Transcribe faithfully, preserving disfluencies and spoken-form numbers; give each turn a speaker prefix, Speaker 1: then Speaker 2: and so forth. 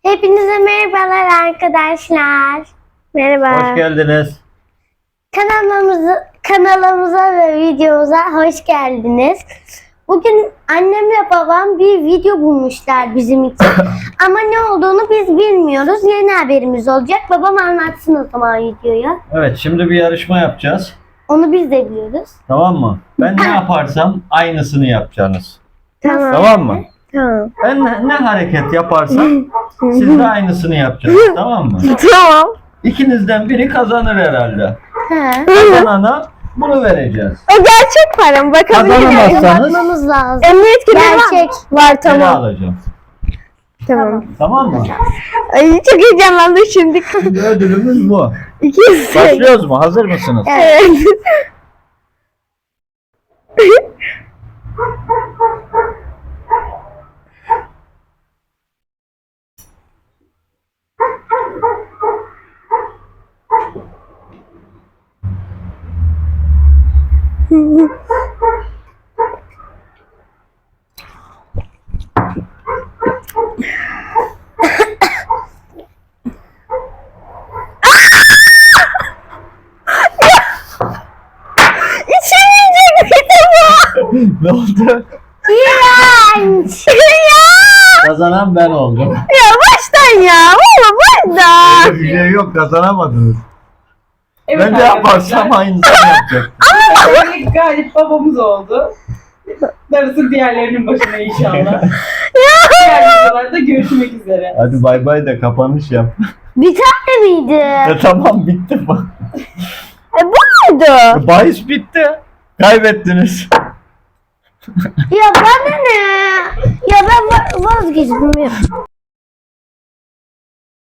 Speaker 1: Hepinize merhabalar arkadaşlar. Merhaba.
Speaker 2: Hoş geldiniz.
Speaker 1: Kanalımıza, kanalımıza ve videomuza hoş geldiniz. Bugün annemle babam bir video bulmuşlar bizim için. Ama ne olduğunu biz bilmiyoruz. Yeni haberimiz olacak. Babam anlatsın o zaman videoyu.
Speaker 2: Evet, şimdi bir yarışma yapacağız.
Speaker 1: Onu biz de biliyoruz.
Speaker 2: Tamam mı? Ben ne yaparsam aynısını yapacaksınız.
Speaker 1: Tamam.
Speaker 2: Tamam mı?
Speaker 1: Tamam.
Speaker 2: Ben ne, ne hareket yaparsam siz de aynısını yapacaksınız. Tamam mı?
Speaker 1: Tamam.
Speaker 2: İkinizden biri kazanır herhalde.
Speaker 1: He.
Speaker 2: Kazanana bunu vereceğiz.
Speaker 3: O gerçek param, bakabilir miyim?
Speaker 2: Kazanamazsanız
Speaker 1: Bakmamız lazım.
Speaker 3: Emniyet kemeri
Speaker 1: Gerçek.
Speaker 3: var. Var
Speaker 2: beni
Speaker 3: tamam.
Speaker 2: alacağım.
Speaker 3: Tamam.
Speaker 2: Tamam mı?
Speaker 3: Ay çok heyecanlandım şimdi.
Speaker 2: Şimdi ödülümüz bu.
Speaker 3: İki yüz.
Speaker 2: Başlıyoruz mu? Hazır mısınız?
Speaker 3: Evet. İçemeyecek miydim bu?
Speaker 2: Ne oldu?
Speaker 1: İğrenç.
Speaker 3: Ya.
Speaker 2: Kazanan ben oldum.
Speaker 3: Ya baştan ya. Valla baştan.
Speaker 2: Bir şey yok, kazanamadınız.
Speaker 4: Evet
Speaker 2: Ben de yaparsam aynısını yapacak.
Speaker 4: arkadaşlar. Galip babamız oldu. Darısı diğerlerinin başına inşallah. Diğer videolarda görüşmek üzere.
Speaker 2: Hadi bay bay da kapanış yap.
Speaker 1: Bir tane miydi?
Speaker 2: E tamam, bitti bak.
Speaker 3: E bu muydu?
Speaker 2: Bahis bitti. Kaybettiniz.
Speaker 1: Ya bana ne? Ya ben va- vazgeçtim.